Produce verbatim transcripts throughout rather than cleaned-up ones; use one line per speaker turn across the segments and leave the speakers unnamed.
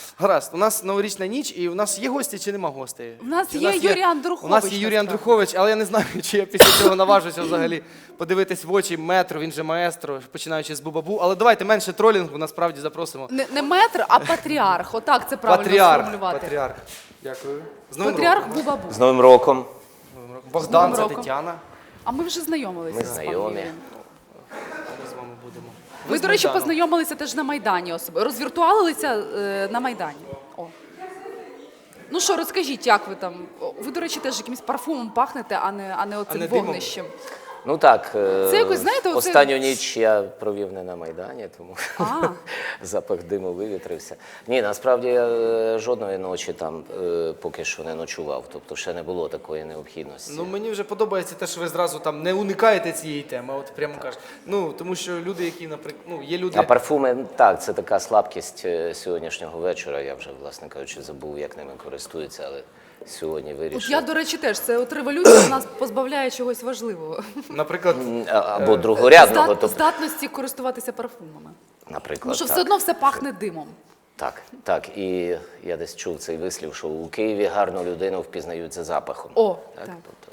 Гаразд, у нас новорічна ніч, і у нас є гості чи нема гостей?
У нас
Чи
є Юрій Андрухович.
У нас є Юрій
насправді.
Андрухович, але я не знаю, чи я після цього наважуся взагалі подивитись в очі метру, він же маестро, починаючи з Бубабу. Але давайте менше тролінгу, насправді запросимо.
Не, не метр, а патріарх. Отак це правильно
Патріарх.
сформулювати.
Патріарх. Дякую. З Новим
Патріарх
роком.
Бубабу.
З Новим роком.
Богдан,
З
це
Новим роком.
Тетяна.
А ми вже знайомилися.
Ми
з паном
знайомі.
Юрієм.
Ми з вами будемо.
Ви,
з
до речі,
Майдану.
познайомилися теж на Майдані особисто. Розвіртуалилися е, на Майдані. О. Ну що, розкажіть, як ви там? О, ви, до речі, теж якимось парфумом пахнете, а не, а не оцим
не димом?
вогнищем.
Ну так, е,
Це якось, знаєте, оце-
останню ніч я провів не на Майдані, тому
А.
запах диму вивітрився. Ні, насправді я е, жодної ночі там е, поки що не ночував, тобто ще не було такої необхідності.
Ну, мені вже подобається те, що ви зразу там не уникаєте цієї теми, от прямо кажете. Ну, тому що люди, які, наприклад, ну, є люди...
А парфуми, так, це така слабкість е, сьогоднішнього вечора. Я вже, власне кажучи, забув, як ними користуються, але сьогодні
От
вирішив.
я, до речі, теж. Це от революція нас позбавляє чогось важливого.
Наприклад,
М, а- Або другорядного,
Здат-
тобто,
здатності користуватися парфумами.
наприклад,
Тому що
так.
все одно все пахне димом.
Так, так. І я десь чув цей вислів, що у Києві гарну людину впізнають за запахом.
О,
так.
так.
Тобто,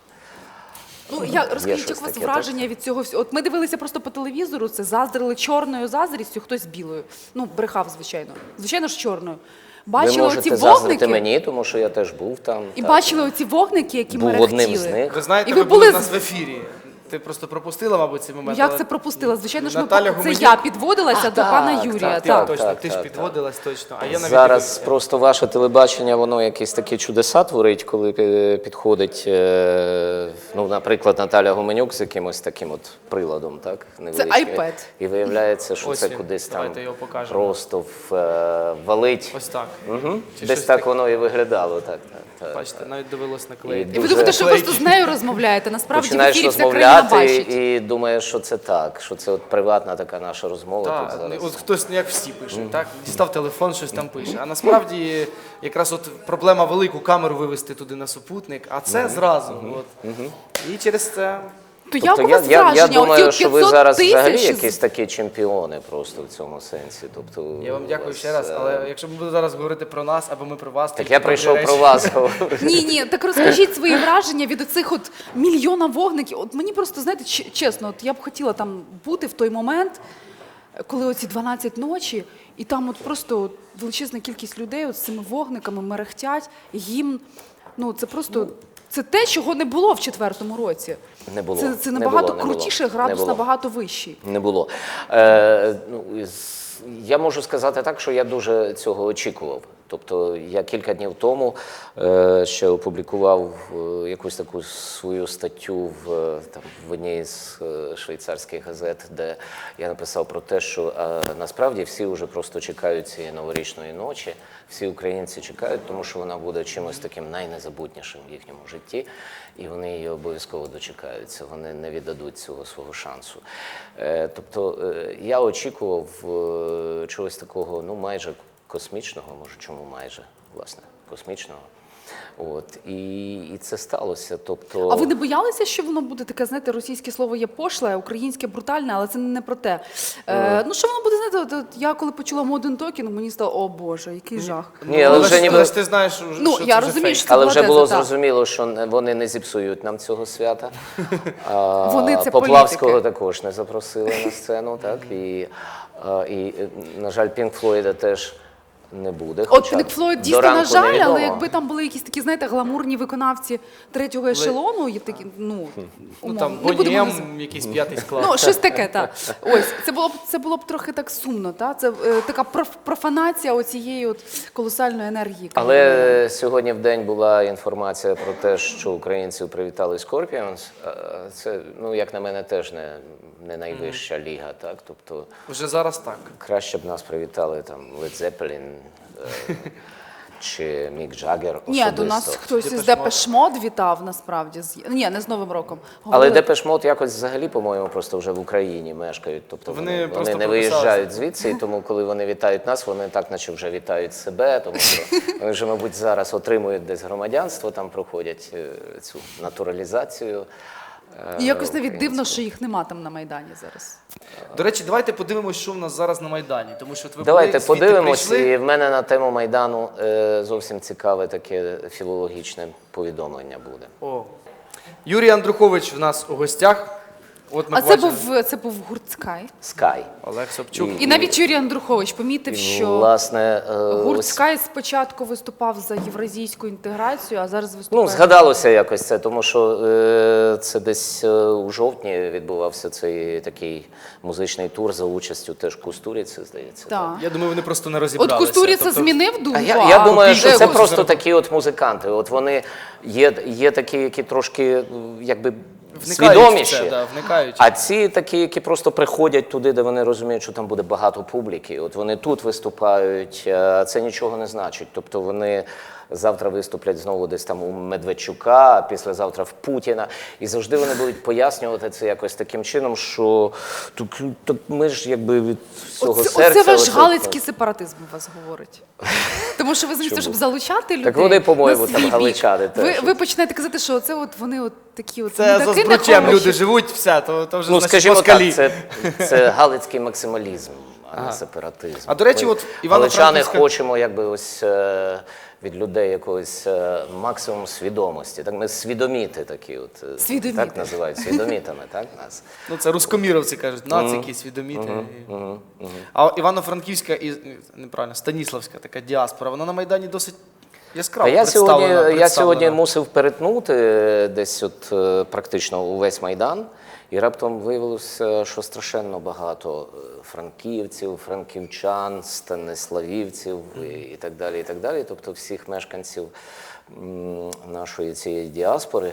Ну, я, розкажіть,
щось
як у вас
таке,
враження від цього всього? От ми дивилися просто по телевізору, це заздрили чорною заздрістю, хтось білою. Ну, брехав, звичайно. Звичайно ж, чорною.
ви
Бачили оці
можете заздрити
вогники,
мені, тому що я теж був там.
і
так.
бачили оці вогники, які
Був
мерехтіли.
одним з них.
ви знаєте,
І
ви,
ви
були
були
в нас
з-
в ефірі. Ти просто пропустила, мабуть, цей момент.
Як
але
це пропустила? Звичайно ж, ми,
Наталя
це
Гуменюк-
я підводилася до
так,
пана
так,
Юрія.
Ти
Так,
точно,
так,
ти ж
так,
підводилась точно. А я навіть
Зараз
дивився.
просто ваше телебачення, воно якісь такі чудеса творить, коли пі- підходить, е, ну, наприклад, Наталя Гуменюк з якимось таким от приладом, так? невеличким.
iPad.
І виявляється, що
Ось
це
він.
кудись там
Давайте його покажемо.
просто в, е, валить.
Ось так.
Угу.
Чи
Десь
щось
так
таке.
воно і виглядало. Так, так, так.
Бачите, навіть довелось наклеїти.
І ви
Дуже
думаєте, що
клейкі.
просто з нею розмовляєте. Насправді в
Починаєш
ефірі вся країна
розмовляти
бачить.
і думаєш, що це так, що це от приватна така наша розмова
Так,
тут зараз.
от хтось, ну, як всі пише, так? Дістав телефон, щось там пише. А насправді якраз от проблема велику камеру вивести туди на супутник, а це зразу. От. І через це...
То
Тобто
як у
я,
вас
я, я
враження?
думаю,
Оці
що ви
п'ятсот
зараз взагалі
тисяч
якісь такі чемпіони просто в цьому сенсі. Тобто,
Я вам дякую
у вас,
ще раз,
е,
але якщо ми будемо зараз говорити про нас або ми про вас,
Так
тільки
я
добрі
прийшов
речі.
про вас говорити.
Ні, ні, так розкажіть свої враження від оцих от мільйона вогників. От мені просто, знаєте, ч- чесно, от я б хотіла там бути в той момент, коли оці дванадцять ночі, і там от просто от величезна кількість людей от з цими вогниками мерехтять, гімн. Ну, це просто... Це те, чого не було в четвертому році.
Не було.
Це, це
Не
набагато
було, не було.
крутіше,
Не
градус
було.
набагато вищий.
Не було. Е, ну, із- я можу сказати так, що я дуже цього очікував. Тобто я кілька днів тому е, ще опублікував е, якусь таку свою статтю в, е, там, в одній з е, швейцарських газет, де я написав про те, що е, насправді всі вже просто чекають цієї новорічної ночі, всі українці чекають, тому що вона буде чимось таким найнезабутнішим в їхньому житті, і вони її обов'язково дочекаються, вони не віддадуть цього свого шансу. Е, тобто е, я очікував е, чогось такого, ну майже космічного, може, чому майже, власне, космічного. От, і, і це сталося. Тобто...
А ви не боялися, що воно буде таке, знаєте, російське слово є пошле, українське брутальне, але це не про те. Е, ну, що воно буде, знаєте, от, от я коли почула Modern Talking, мені стало, о Боже, який жах.
Ні, але
Але
вже
ж-
ніби...
але ж ти знаєш, що,
Ну,
що
я
це вже
розумію,
фейк.
що це
Але
була
вже
теза,
було
так.
зрозуміло, що не- вони не зіпсують нам цього свята. А,
Вони це
Поплавського
політики.
також не запросили на сцену, так? І, а, і, на жаль, Пінк Флойда теж не буде.
От
хоча
Пінк Флойд
до
дійсно, на
ранку
жаль,
невідомо.
але якби там були якісь такі, знаєте, гламурні виконавці третього ешелону, є такі, ну,
Ну
умовно,
там
не будемо
Боні
назив-
М, якийсь п'ятий склад.
Ну, щось таке, так. Ось, це було б це було б трохи так сумно, так? Це е, така проф- профанація оцієї от колосальної енергії. яка була.
Але сьогодні в день була інформація про те, що українців привітали Scorpions. А, Це, ну, як на мене, теж не, не найвища ліга, так? Тобто
Вже зараз так.
краще б нас привітали там Led Zeppelin е, чи Мік Джаггер
Ні,
особисто.
до нас хтось із
Depeche
Депеш Мод вітав, насправді. з- Ні, не з Новим роком.
Але
Говорили-
Депеш Мод якось взагалі, по-моєму, просто вже в Україні мешкають. Тобто
Вони
вони, вони,
просто
не
прописалися.
виїжджають звідси, і тому коли вони вітають нас, вони так наче вже вітають себе, тому що вони вже, мабуть, зараз отримують десь громадянство, там проходять е, цю натуралізацію.
І якось навіть дивно,
українською.
що їх нема там на Майдані зараз.
До речі, давайте подивимось, що в нас зараз на Майдані. Тому що от ви
Давайте
були, звідти
подивимось,
прийшли.
і в мене на тему Майдану е, зовсім цікаве таке філологічне повідомлення буде.
О. Юрій Андрухович в нас у гостях. От ми
А це
бачимо.
був, це був гурт Скай.
Скай.
Олег Собчук.
І навіть Юрій Андрухович помітив, що
Власне, е,
гурт
ось,
Скай спочатку виступав за євразійську інтеграцію, а зараз виступає...
ну, згадалося якось це, тому що е, це десь е, у жовтні відбувався цей такий музичний тур за участю теж Кустуріці, здається.
Так.
Я думаю, вони просто не
От
розібралися.
Кустуріца
Тобто-
змінив думку,
А я, я думаю, що
Е,
це
Гусь-
просто такі от музиканти. От вони є, є такі, які трошки якби
Вникають в
свідоміші.
це, да, вникають.
А ці такі, які просто приходять туди, де вони розуміють, що там буде багато публіки. От вони тут виступають, а це нічого не значить. Тобто вони завтра виступлять знову десь там у Медведчука, а післязавтра в Путіна. І завжди вони будуть пояснювати це якось таким чином, що так, так ми ж якби від всього
Оце,
серця...
оце ваш
оце-
галицький сепаратизм у вас говорить. Тому що ви замість того, щоб залучати людей
вони, по-моєму,
на
там
свій
галичани
бік, ви,
теж.
ви починаєте казати, що це от вони от такі от
Це за
мудаки
збручем
нехороші.
люди живуть, все, то, то вже
Ну,
значить,
скажімо
москалі.
так, це, це галицький максималізм, а не сепаратизм.
А, до речі,
Ми,
от Івано-Франківська-
галичани, хочемо якби ось е, від людей якогось е, максимум свідомості. Так ми свідоміти такі, от е,
Свідоміти.
так називають свідомітами, так нас.
Ну, це рускоміровці кажуть, нацики, свідоміти. А Івано-Франківська і неправильно, Станіславська така діаспора, вона на Майдані досить яскраво
А я сьогодні,
представлена.
я сьогодні
представлена.
мусив перетнути десь от е, практично увесь Майдан, і раптом виявилося, що страшенно багато е, франківців, франківчан, станиславівців і, і так далі, і так далі. Тобто всіх мешканців м, нашої цієї діаспори.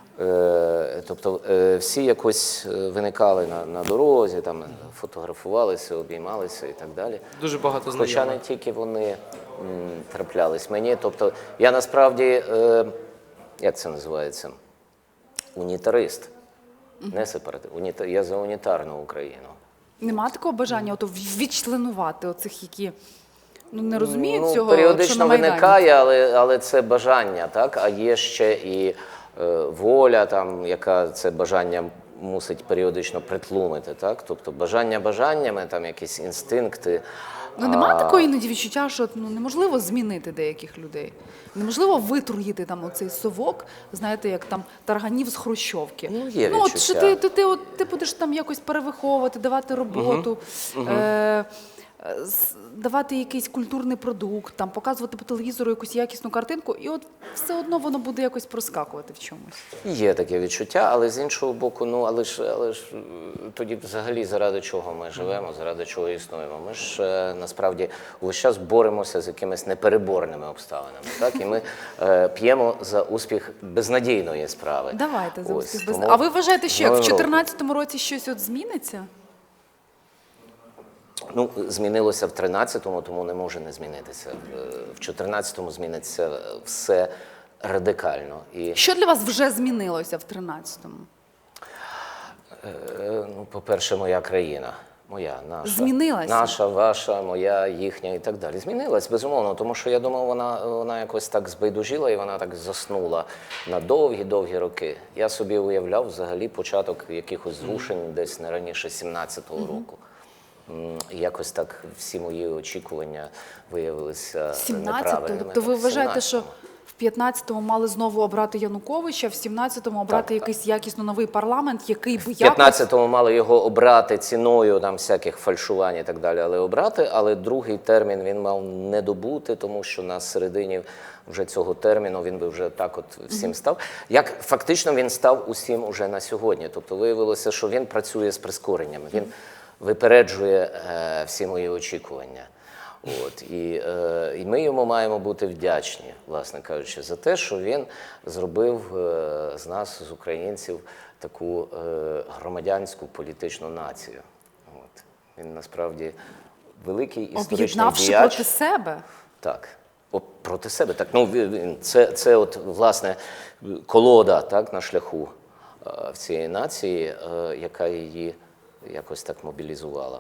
Е, Тобто е, всі якось е, виникали на, на дорозі, там фотографувалися, обіймалися і так далі.
Дуже багато
Хоча
знайомих.
не тільки вони м, траплялись мені. Тобто я насправді, е, як це називається, унітарист, не сепаратист. Уніта... Я за унітарну Україну.
Нема такого бажання ото відчленувати оцих, які ну, не розуміють
Ну,
цього, що на
періодично
Майдані.
виникає, але, але це бажання, так? А є ще і е, воля, там, яка це бажання мусить періодично притлумити. Так? Тобто бажання бажаннями, там якісь інстинкти.
Ну немає
а,
такої іноді відчуття, що ну, неможливо змінити деяких людей. Неможливо витруїти там оцей совок, знаєте, як там тарганів з хрущовки.
Ну, є
ну от що
відчуття.
ти, ти, ти, от, ти будеш там якось перевиховувати, давати роботу, е- е, з- давати якийсь культурний продукт, там, показувати по телевізору якусь якісну картинку, і от все одно воно буде якось проскакувати в чомусь.
Є таке відчуття, але з іншого боку, ну але ж, але ж е, тоді взагалі заради чого ми живемо, заради чого існуємо. Ми ж е, насправді увесь час боремося з якимись непереборними обставинами. Так? І ми е, п'ємо за успіх безнадійної справи.
Давайте за
Ось,
успіх без...
тому
А ви вважаєте, що як в
Новим роком.
чотирнадцятому році щось от зміниться?
Ну, змінилося в тринадцятому, тому не може не змінитися. Е, В чотирнадцятому зміниться все радикально. І
Що для вас вже змінилося в тринадцятому?
Е, Ну, по-перше, моя країна. Моя, наша.
Змінилася?
Наша, ваша, моя, їхня і так далі. Змінилась, безумовно, тому що я думав, вона, вона якось так збайдужила і вона так заснула на довгі-довгі роки. Я собі уявляв взагалі початок якихось зрушень десь не раніше сімнадцятого року. М, і якось так всі мої очікування виявилися
сімнадцятого?
неправильними.
Тобто ви
Так,
вважаєте, що
сімнадцятому.
в п'ятнадцятому мали знову обрати Януковича, в сімнадцятому обрати
Так,
якийсь якісно новий парламент, який би
В
якось...
п'ятнадцятому мали його обрати ціною там всяких фальшувань і так далі, але обрати, але другий термін він мав не добути, тому що на середині вже цього терміну він би вже так от всім став. Як фактично він став усім уже на сьогодні. Тобто виявилося, що він працює з прискореннями, він випереджує е, всі мої очікування. От, і, е, і ми йому маємо бути вдячні, власне кажучи, за те, що він зробив е, з нас, з українців, таку е, громадянську політичну націю. От. Він насправді великий історичний
Об'єднавши
діяч.
проти себе.
Так. О, проти себе. Так. Ну, він- це, це от, власне, колода так, на шляху е, в цієї нації, е, яка її якось так мобілізувала.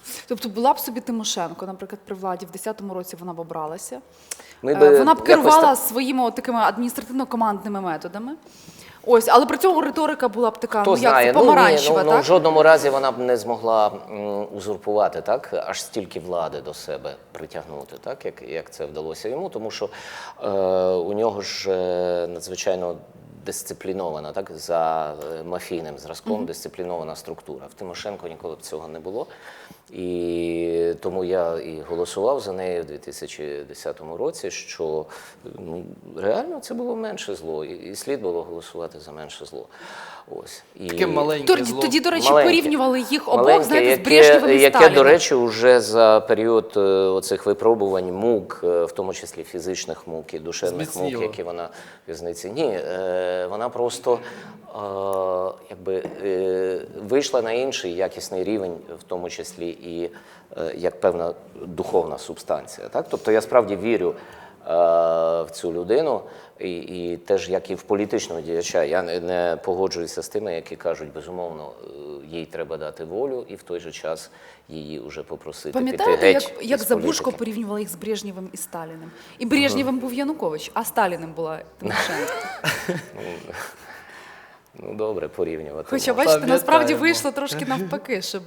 Тобто була б собі Тимошенко, наприклад, при владі, в десятому році вона б обралася.
Ми
Е,
би
Вона б
якось
керувала
так-
своїми от такими адміністративно-командними методами. Ось, але при цьому риторика була б така,
Хто
ну як
знає,
це,
ну, ні,
помаранчева,
ну, ну, в
так?
жодному разі вона б не змогла м, узурпувати так, аж стільки влади до себе притягнути, так, як, як це вдалося йому, тому що е, у нього ж е, надзвичайно дисциплінована, так, за е, мафійним зразком, mm-hmm. дисциплінована структура. В Тимошенко ніколи б цього не було. І тому я і голосував за неї в дві тисячі десятому році, що ну, реально це було менше зло, і, і слід було голосувати за менше зло. Ось. І...
Таке маленьке
Тоді,
зло.
тоді, до речі,
Маленьке.
порівнювали їх обох,
Маленьке,
знаєте, з
яке,
Брежнєвим і
яке,
Сталіним.
до речі, вже за період е, оцих випробувань мук, е, в тому числі фізичних мук і душевних мук,
Зміцніло.
які вона в в'язниці. Ні, е, вона просто е, якби, е, вийшла на інший якісний рівень, в тому числі і е, як певна духовна субстанція. Так? Тобто я справді вірю е, в цю людину, і, і теж як і в політичного діяча. Я не, не погоджуюся з тими, які кажуть, безумовно, е, їй треба дати волю і в той же час її вже попросити піти
Пам'ятаєте,
геть
як, як
із
Забужко
політики?
порівнювали їх з Брежнєвим і Сталіним? І Брежнєвим був Янукович, а Сталіним була Тимошенко.
Ну, добре, порівнювати.
Хоча,
можна.
бачите, насправді
Пам'ятаємо.
вийшло трошки навпаки, щоб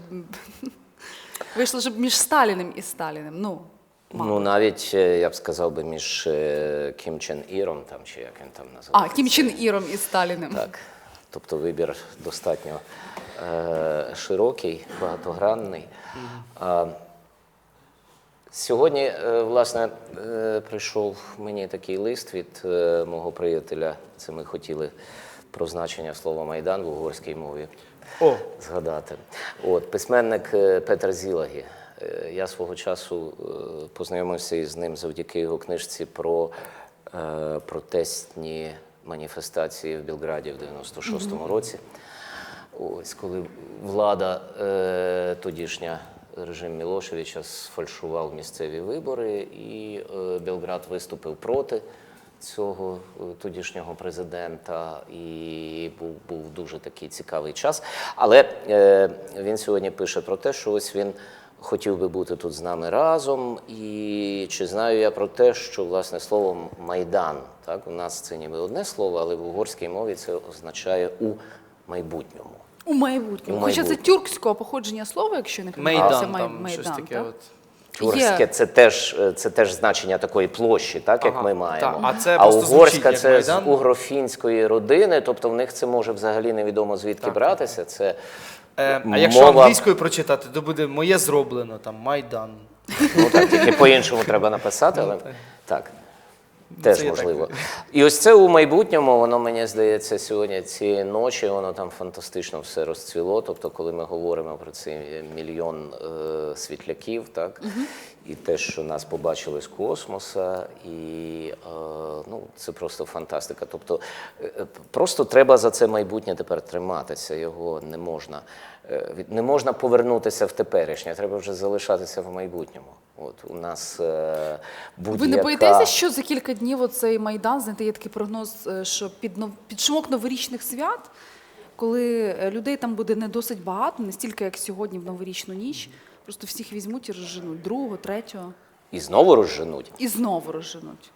вийшло, щоб між Сталіним і Сталіним. Ну, мало.
Ну, навіть, е, я б сказав би, між е, Кім Чен Іром, там, чи як він там називається.
А, Кім Чен Іром і Сталіним.
Так. Тобто вибір достатньо е, широкий, багатогранний. А, сьогодні, е, власне, е, прийшов мені такий лист від е, мого приятеля. Це ми хотіли про значення слова «Майдан» в угорській мові
О,
згадати. От, письменник е, Петер Зілагі. Е, Я свого часу е, познайомився із ним завдяки його книжці про е, протестні маніфестації в Білграді в дев'яносто шостому році. Ось, коли влада е, тодішня, режим Мілошевича, сфальшував місцеві вибори, і е, Білград виступив проти цього е, тодішнього президента, і був, був дуже такий цікавий час. Але е, він сьогодні пише про те, що ось він хотів би бути тут з нами разом, і чи знаю я про те, що, власне, слово «майдан», так, у нас це ніби одне слово, але в угорській мові це означає «у майбутньому».
У майбутньому.
У
Хоча це
майбутньому.
тюркського походження слова, якщо не помиляюся,
Майдан,
Май-
там
Майдан,
щось таке.
так?
От.
Тюркське
Є.
це теж, це теж значення такої площі, так, як
Ага,
ми маємо.
так. А це
а
просто звучить
угорська
як
це
Майдан.
з угрофінської родини, тобто в них це може взагалі невідомо звідки
Так.
братися. Це
Е, а якщо
мова-
англійською прочитати, то буде «моє зроблено», там «Майдан».
Ну так, тільки по-іншому треба написати, але так. Теж
це я
можливо.
так.
І ось це у майбутньому, воно, мені здається, сьогодні ці ночі, воно там фантастично все розцвіло. Тобто, коли ми говоримо про цей мільйон е, світляків, так, і те, що нас побачили з космоса, і е, ну, це просто фантастика. Тобто, е, просто треба за це майбутнє тепер триматися, його не можна. е, від- Не можна повернутися в теперішнє, треба вже залишатися в майбутньому. От у нас е, будь-яка...
Ви не боїтеся, що за кілька днів оцей Майдан, знаєте, є такий прогноз, е, що під, нов- під шумок новорічних свят, коли е, людей там буде не досить багато, не стільки, як сьогодні в новорічну ніч, просто всіх візьмуть і розженуть, другого, третього,
І знову розженуть.
і знову розженуть.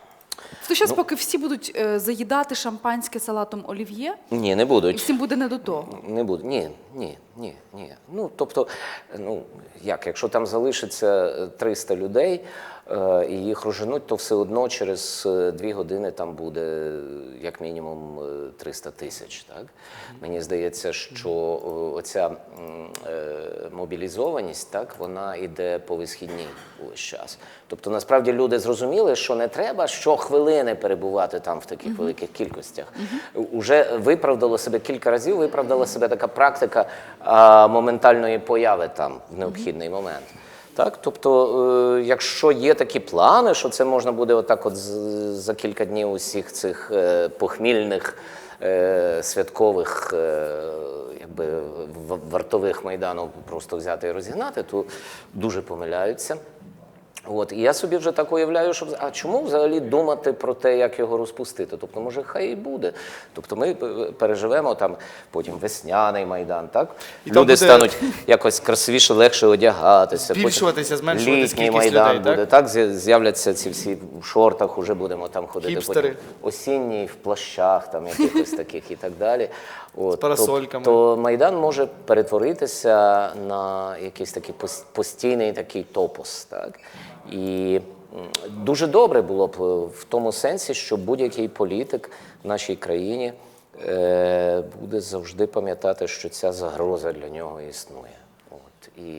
То зараз, поки всі будуть е, заїдати шампанське салатом олів'є,
Ні, не
і
будуть.
всім буде не до того.
Не буде. Ні, ні, ні, ні. Ну, тобто, ну, як, якщо там залишиться триста людей, е, і їх розженуть, то все одно через е, дві години там буде як мінімум е, триста тисяч. Так? Мені здається, що е, оця м, е, мобілізованість, так, вона йде по висхідній увесь час. Тобто, насправді, люди зрозуміли, що не треба щохвилини перебувати там в таких великих кількостях. Уже виправдало себе кілька разів, виправдала себе така практика а, моментальної появи там в необхідний момент. Так? Тобто, е, якщо є такі плани, що це можна буде отак от з- за кілька днів усіх цих е, похмільних, е, святкових, е, якби, в- вартових Майдану просто взяти і розігнати, то дуже помиляються. От, і я собі вже так уявляю, що а чому взагалі думати про те, як його розпустити? Тобто, може, хай і буде. Тобто ми переживемо там потім весняний Майдан, так?
І там
Люди
буде
стануть якось красивіше, легше одягатися.
Збільшуватися,
потім
зменшувати
літній
кількість
Майдан
людей,
буде, так? З'я- З'являться ці всі в шортах, уже будемо там ходити.
Хіпстери.
Потім осінній в плащах, там якихось таких і так далі. От,
З парасольками.
То Майдан може перетворитися на якийсь такий пос- постійний такий топос, так? І м, дуже добре було б в тому сенсі, що будь-який політик в нашій країні е, буде завжди пам'ятати, що ця загроза для нього існує. От. І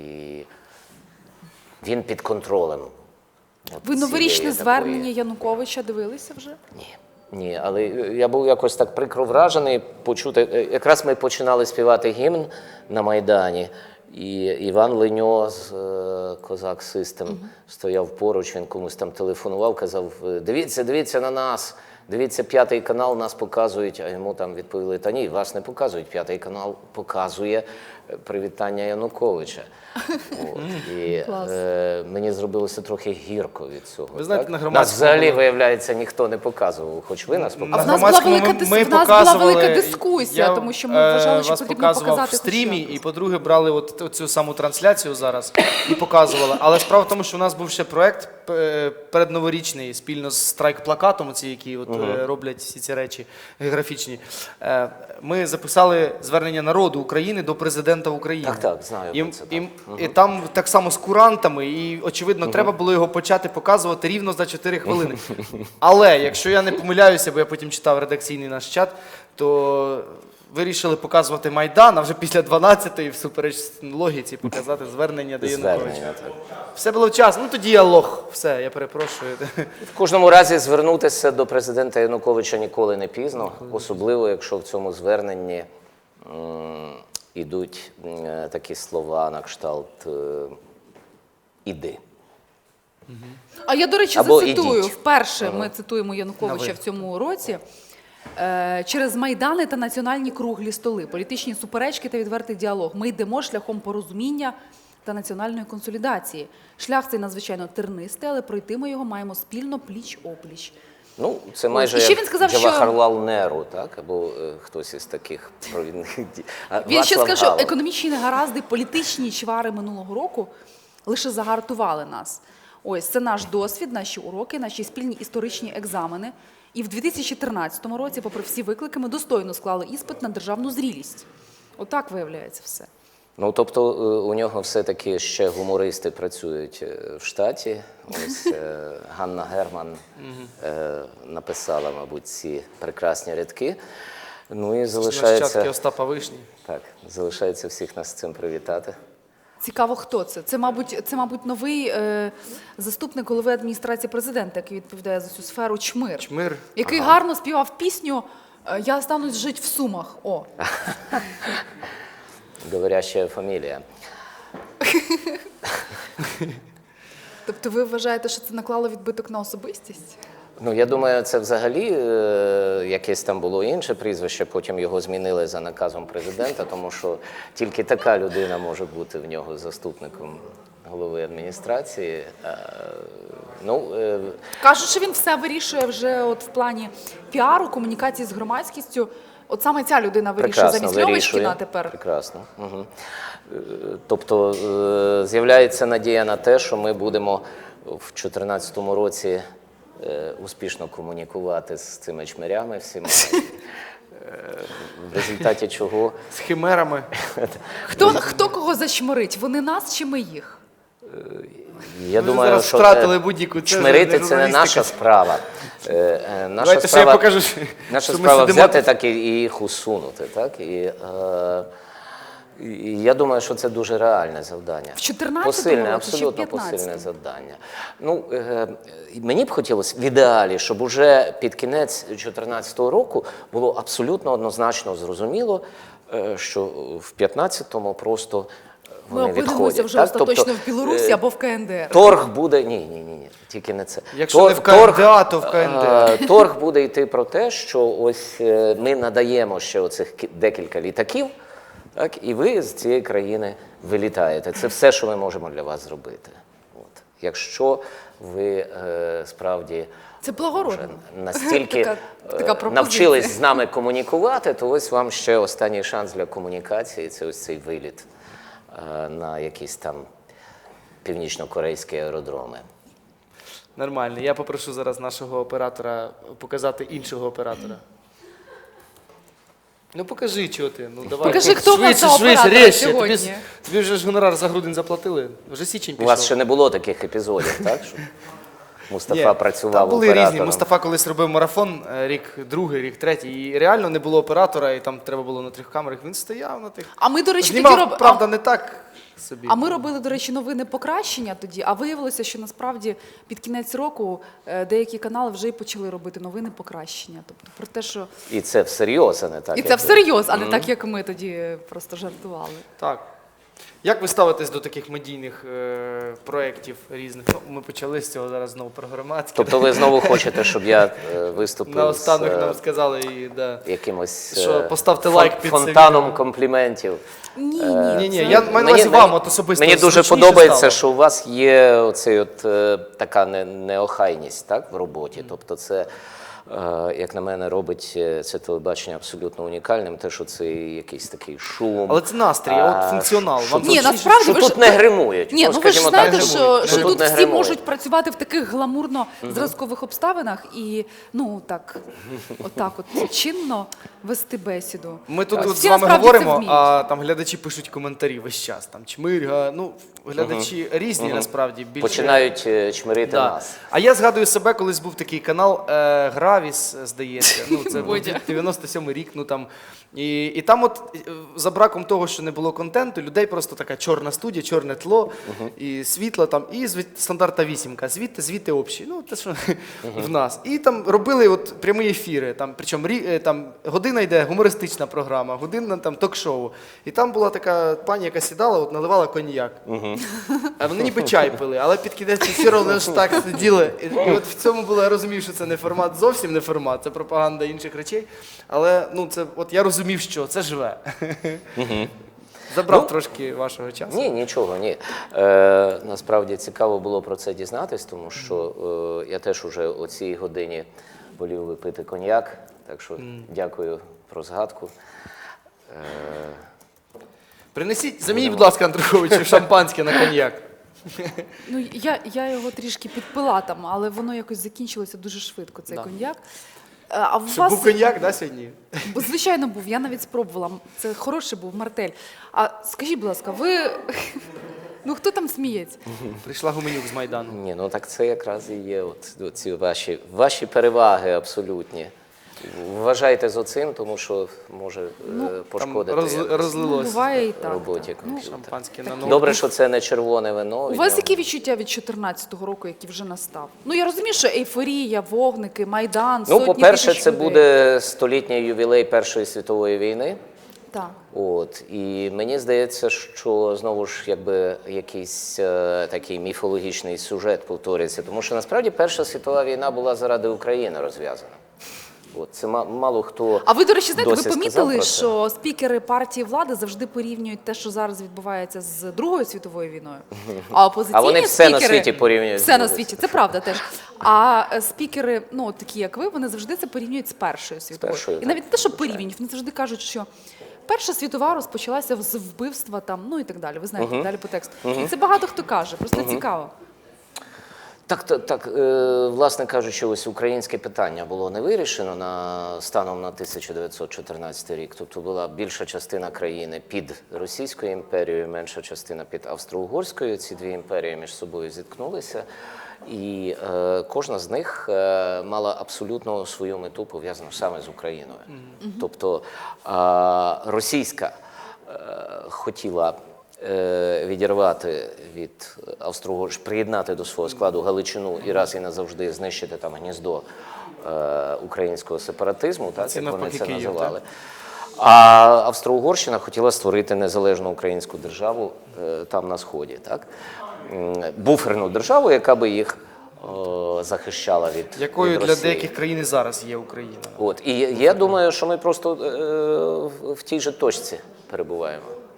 він під контролем. От
Ви новорічне
цієї
звернення
такої-
Януковича дивилися вже?
Ні. Ні, але я був якось так прикро вражений почути. Якраз ми починали співати гімн на Майдані, і Іван Леньо з е, Козак Систем стояв поруч, він комусь там телефонував, казав: дивіться, дивіться на нас, дивіться, п'ятий канал, нас показують. А йому там відповіли: та ні, вас не показують, п'ятий канал показує привітання Януковича. От. І
Клас.
е, мені зробилося трохи гірко від цього.
Ви знаєте,
так?
на
Нас
громадському
взагалі,
було-
виявляється, ніхто не показував, хоч ви нас
А
показували.
в нас була
громадському
велика
ми-
дис-
ми
в нас була
показували-
велика дискусія,
я,
тому що ми
е,
вважали, що
вас
потрібно
показував
показати
в стрімі,
хоч
і по-друге, брали от цю саму трансляцію зараз і показували. Але справа в тому, що у нас був ще проект е, передноворічний спільно з страйк-плакатом, ці, які от, е, роблять всі ці речі географічні. Е, Ми записали звернення народу України до президента України.
Так, так, знаю
І,
про це, так.
і, і там так само з курантами, і, очевидно, треба було його почати показувати рівно за чотири хвилини. Але, якщо я не помиляюся, бо я потім читав редакційний наш чат, то вирішили показувати Майдан, а вже після дванадцятої, всупереч логіці, показати звернення до Януковича.
Звернення, так.
Все було вчасно. Ну тоді я лох. Все, я перепрошую.
В кожному разі звернутися до президента Януковича ніколи не пізно, особливо, якщо в цьому зверненні м, ідуть м, такі слова на кшталт е, «іди».
А я, до речі,
Або
зацитую.
ідіть.
Вперше ми цитуємо Януковича
На ви.
в цьому році. Е, Через майдани та національні круглі столи, політичні суперечки та відвертий діалог. Ми йдемо шляхом порозуміння та національної консолідації. Шлях цей надзвичайно тернистий, але пройти ми його маємо спільно пліч-опліч.
Ну, це майже
І ще
як
він сказав, що-
Джавахарлал Неру, так? Або е, хтось із таких провідних дій. А
Він ще
Václav
сказав, що
Havel.
економічні негаразди, політичні чвари минулого року лише загартували нас. Ось, це наш досвід, наші уроки, наші спільні історичні екзамени. І в дві тисячі тринадцятому році, попри всі виклики, ми достойно склали іспит на державну зрілість. Отак виявляється все.
Ну, тобто е, у нього все-таки ще гумористи працюють е, в штаті. Ось е, Ганна Герман е, написала, мабуть, ці прекрасні рядки. Ну і
Нащадки
залишається,
Остапа Вишні.
так, залишається всіх нас з цим привітати.
Цікаво, хто це? Це, мабуть, це, мабуть, новий е, заступник голови адміністрації президента, який відповідає за цю сферу, Чмир.
Чмир.
Який гарно співав пісню е, «Я останусь жить в Сумах». О,
Говорящая фамілія.
тобто ви вважаєте, що це наклало відбиток на особистість?
Ну, я думаю, це взагалі е, якесь там було інше прізвище, потім його змінили за наказом президента, тому що тільки така людина може бути в нього заступником голови адміністрації. Е, ну, е,
Кажуть, що він все вирішує вже от в плані піару, комунікації з громадськістю. От саме ця людина вирішує
прекрасно
замість
вирішує.
Льовочкіна тепер.
Прекрасно. Угу. Тобто е, з'являється надія на те, що ми будемо в дві тисячі чотирнадцятому році е, успішно комунікувати з цими чмирями всіма, е, в результаті чого
З химерами.
Хто, хто кого зачморить? Вони нас чи ми їх?
я
Ви
думаю,
зараз
що
втратили
е,
будь-яку- це
чмирити
вже
це не
журналістика.
наша справа. Е, е, Наша
Давайте ще
справа,
я покажу, що
наша
ми
справа
сидимо
взяти
тут.
так і, і їх усунути. Так? І, е, і я думаю, що це дуже реальне завдання.
В чотирнадцятому
Посильне,
році чи в
абсолютно
п'ятнадцятому?
посильне завдання. Ну, е, мені б хотілося в ідеалі, щоб уже під кінець дві тисячі чотирнадцятого року було абсолютно однозначно зрозуміло, е, що в п'ятнадцятому просто
Ми
вони
опинимося
відходять.
вже
так?
остаточно
Тобто,
в Білорусі
е,
або в КНДР.
Торг буде, ні, ні, ні, ні, тільки не це.
Якщо не в КНДА, то в КНДР.
е, Торг буде йти про те, що ось е, ми надаємо ще оцих кі- декілька літаків, так, і ви з цієї країни вилітаєте. Це все, що ми можемо для вас зробити. От. Якщо ви е, справді
Це благородно.
вже настільки
Така-
е,
така пропозиція.
навчились з нами комунікувати, то ось вам ще останній шанс для комунікації – це ось цей виліт е, на якісь там північно-корейські аеродроми.
Нормально. Я попрошу зараз нашого оператора показати іншого оператора. Ну покажи, чого ти. Ну давай.
Покажи, хто в нас
швидше,
за
швидше,
оператора
резче.
сьогодні.
Тобі, ж- тобі вже ж гонорар за грудень заплатили. Вже січень
У
пішов.
вас ще не було таких епізодів, так? Щоб Мустафа
Ні,
працював
там були
оператором.
різні. Мустафа колись робив марафон, е, рік другий, рік третій, і реально не було оператора, і там треба було на трьох камерах. Він стояв на тих.
А ми, до речі, тоді
Знімав,
роб...
правда, не так собі.
А ми робили, до речі, новини покращення тоді, а виявилося, що насправді під кінець року е, деякі канали вже й почали робити новини покращення. Тобто про те, що
І це всерйоз, а не так.
і
як
це
ви.
всерйоз, а не так, як ми тоді просто жартували.
Так. Як ви ставитесь до таких медійних е, проєктів різних? Ну, ми почали з цього зараз знову про громадське.
Тобто ви знову хочете, щоб я е, виступив
Наостанок
з е,
нам сказали, і, да.
якимось
Що,
е,
поставте
фон-
лайк під це
фонтаном
відео.
компліментів?
Ні,
Е,
Ні, ні,
це-
я маю на увазі вам от особисто.
Мені дуже
зручніше
подобається,
стало?
що у вас є оцей от, е, така не, неохайність, так, в роботі. Тобто це, е, як на мене, робить е, це телебачення абсолютно унікальним, те, що це якийсь такий шум.
Але це настрій, а от
А,
функціонал.
що
Вам
тут-
Ні,
зручніше?
насправді
що
ви ж-
тут не гримують.
Ні, ну ви ж
скажімо
знаєте,
так,
що, що
що
тут
не
всі
гримують.
можуть працювати в таких гламурно-зразкових обставинах і, ну, так, отак от чинно вести бесіду.
Ми тут
Всі
от з вами
насправді це
говоримо,
вміють.
а там глядачі пишуть коментарі весь час. Там чмирга, ну, глядачі різні насправді. Більше...
Починають е, чмирити
Да.
нас.
А я згадую себе, колись був такий канал е, Гравіс, здається. Ну, це був
Бодя.
дев'яносто сьомий рік. Ну, там. І, і там, от е, за браком того, що не було контенту, людей просто така чорна студія, чорне тло, і світло там, і звід, стандартна вісімка. Звідти, звідти общі. Ну, те, що в нас. І там робили от прямі ефіри. Там, причому рі- е, там, година йде гумористична програма, година там ток-шоу. І там була така пані, яка сідала, от наливала коньяк. А вони ніби чай пили, але під кінець ефіру вони ж так сиділи. І, і от в цьому було, я розумів, що це не формат, зовсім не формат, це пропаганда інших речей. Але ну, це, от я розумів, що це живе. Забрав
Ну,
трошки вашого часу.
Ні, нічого, ні. Е, насправді цікаво було про це дізнатись, тому що е, я теж уже о цій годині волів випити коньяк, так що дякую про згадку. Е,
Принесіть, замініть, будь ласка, Андруховичу, шампанське на коньяк.
Ну, я, я його трішки підпила там, але воно якось закінчилося дуже швидко, цей
Да.
коньяк. Е, А у
Щоб
вас,
був коньяк, да, сьогодні?
Бо, звичайно, був, я навіть спробувала. Це хороший був мартель. А скажіть, будь ласка, ви. Ну хто там сміється?
Прийшла Гуменюк з Майдану.
ні, ну так це якраз і є от, ці ваші, ваші переваги абсолютні. Вважайте з оцим, тому що може е,
Там
пошкодити
роз,
якось
Ну,
розлилось
буває і так.
роботі
так. Ну,
комп'ютера.
шампанське на ноут.
Добре, що це не червоне вино.
у
і
вас
я-
які відчуття від чотирнадцятого року, який вже настав? Ну я розумію, що ейфорія, вогники, майдан,
Ну,
сотні
по-перше,
тисяч
це
людей.
буде столітній ювілей Першої світової війни.
Так.
От і мені здається, що знову ж якби якийсь е, такий міфологічний сюжет повторюється, тому що насправді Перша світова війна була заради України розв'язана. От це ма- мало хто.
А ви, до речі, знаєте, ви
досі сказав
помітили,
про це.
що спікери партії влади завжди порівнюють те, що зараз відбувається з Другою світовою війною. А опозиційні
А вони все на
спікери-
світі порівнюють з
Все на
Другою
світі, це правда теж. А е, спікери, ну от такі як ви, вони завжди це порівнюють з Першою світовою.
Першою,
І
так,
навіть не те, що
звичайно.
порівнюють, вони завжди кажуть, що Перша світова розпочалася з вбивства там, ну і так далі. Ви знаєте, далі по тексту. І це багато хто каже, просто цікаво.
Так, так, так е, власне кажучи, ось українське питання було не вирішено на станом на тисяча дев'ятсот чотирнадцятий рік. Тобто була більша частина країни під Російською імперією, менша частина під Австро-Угорською. Ці дві імперії між собою зіткнулися. І е, кожна з них е, мала абсолютно свою мету, пов'язану саме з Україною. Тобто е, російська е, хотіла е, відірвати від Австро-Угорщини, приєднати до свого складу Галичину і раз і назавжди знищити там гніздо е, українського сепаратизму, так,
Це
як вони
навпаки
це
Київ,
називали. А Австро-Угорщина хотіла створити незалежну українську державу е, там на Сході, так? М, буферну державу, яка би їх о, захищала від,
Якою
від
для
Росії.
деяких країн і зараз є Україна.
От. І я думаю, що ми просто е, в- в тій же точці перебуваємо.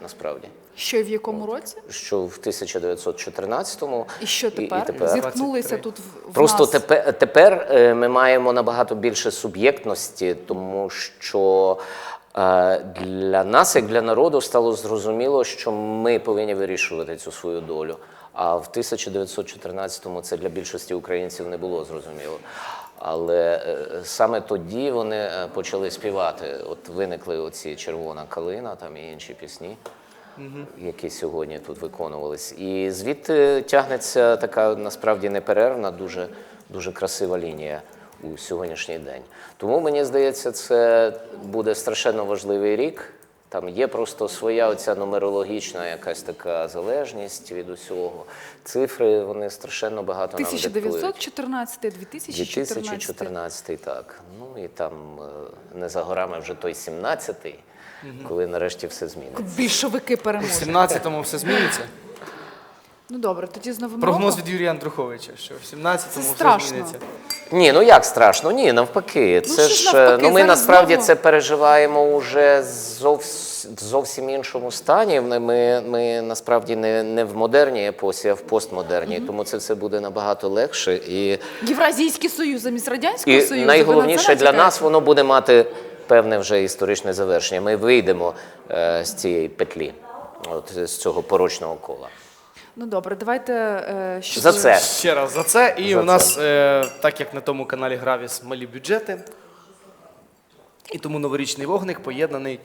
насправді.
Що і в якому році?
Що в тисяча дев'ятсот чотирнадцятому.
І що тепер?
І, і тепер.
Зіткнулися тут в, в
Просто
нас.
тепер, тепер е, ми маємо набагато більше суб'єктності, тому що е, для нас, як для народу, стало зрозуміло, що ми повинні вирішувати цю свою долю. А в тисяча дев'ятсот чотирнадцятому це для більшості українців не було зрозуміло. Але е, саме тоді вони е, почали співати. От виникли оці «Червона калина» там і інші пісні, які сьогодні тут виконувались. І звідти тягнеться така насправді неперервна, дуже, дуже красива лінія у сьогоднішній день. Тому, мені здається, це буде страшенно важливий рік. Там є просто своя оця нумерологічна якась така залежність від усього. Цифри, вони страшенно багато нам
тисяча
диктують.
дев'ятсот чотирнадцятий, дві тисячі
дві тисячі
чотирнадцятий.
чотирнадцятий, так. Ну і там е, не за горами вже той сімнадцятий, коли нарешті все зміниться.
Більшовики
У
переможуть.
сімнадцятому все зміниться.
Ну добре, тоді з новим
Прогноз
роком.
від Юрія Андруховича, що в сімнадцятому
Це
все
страшно.
зміниться.
Ні, ну як страшно? Ні, навпаки.
Ну,
Це
що ж
ж,
навпаки?
ну ми
Зараз
насправді
знову-
це переживаємо уже зовс, в зовсім іншому стані. Ми, ми, ми насправді не, не в модерній епосі, а в постмодерній. Тому це все буде набагато легше. І,
Євразійський Союз замість Радянського
і
Союзу. ви на
найголовніше
це
для
натякаєте?
нас воно буде мати певне вже історичне завершення. Ми вийдемо е, з цієї петлі, от, з цього порочного кола.
Ну добре, давайте е, що
За це.
Ще раз за це. І
За
у нас, е, так як на тому каналі Гравіс, малі бюджети. І тому новорічний вогник поєднаний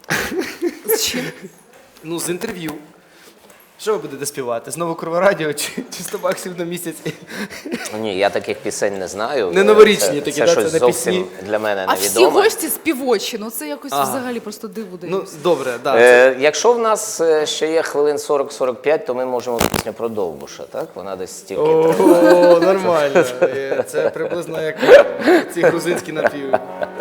з чим?
ну, з інтерв'ю. Що ви будете співати? Знову Кроворадіо чи, чи сто баксів на місяць?
Ні, я таких пісень не знаю.
Не новорічні
це,
такі,
це
да,
щось
це не
зовсім
пісні.
для мене
А всі
невідоме.
гості співочі, ну це якось
Ага.
взагалі просто диву
Ну,
даюсь.
добре, так. Да,
Е, якщо в нас е, ще є хвилин сорок-сорок п'ять, то ми можемо пісню про Довбуша, так? Вона десь стільки.
О,
триває.
нормально. Е, Це приблизно як ці грузинські напіви.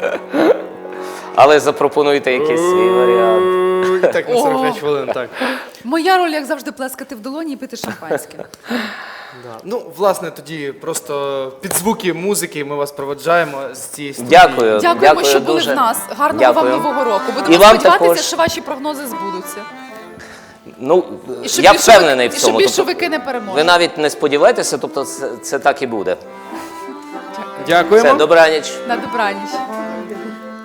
Але запропонуйте якийсь свій варіант.
І так на сорок п'ять хвилин, так.
Моя роль, як завжди, плескати в долоні і пити шампанське.
Да. Ну, власне, тоді просто під звуки музики ми вас проведжаємо з цієї студії.
Дякую.
Дякуємо,
Дякую
що були
дуже.
в нас. Гарного
Дякую.
вам нового року. Будемо
І вам
сподіватися,
також.
що ваші прогнози збудуться.
Ну,
І щоб
я
більшовики-
впевнений в
і
цьому.
щоб
Тобто,
більшовики не переможуть.
ви навіть не сподіваєтеся, тобто це, це так і буде.
Дякуємо.
Все, добраніч.
На добраніч.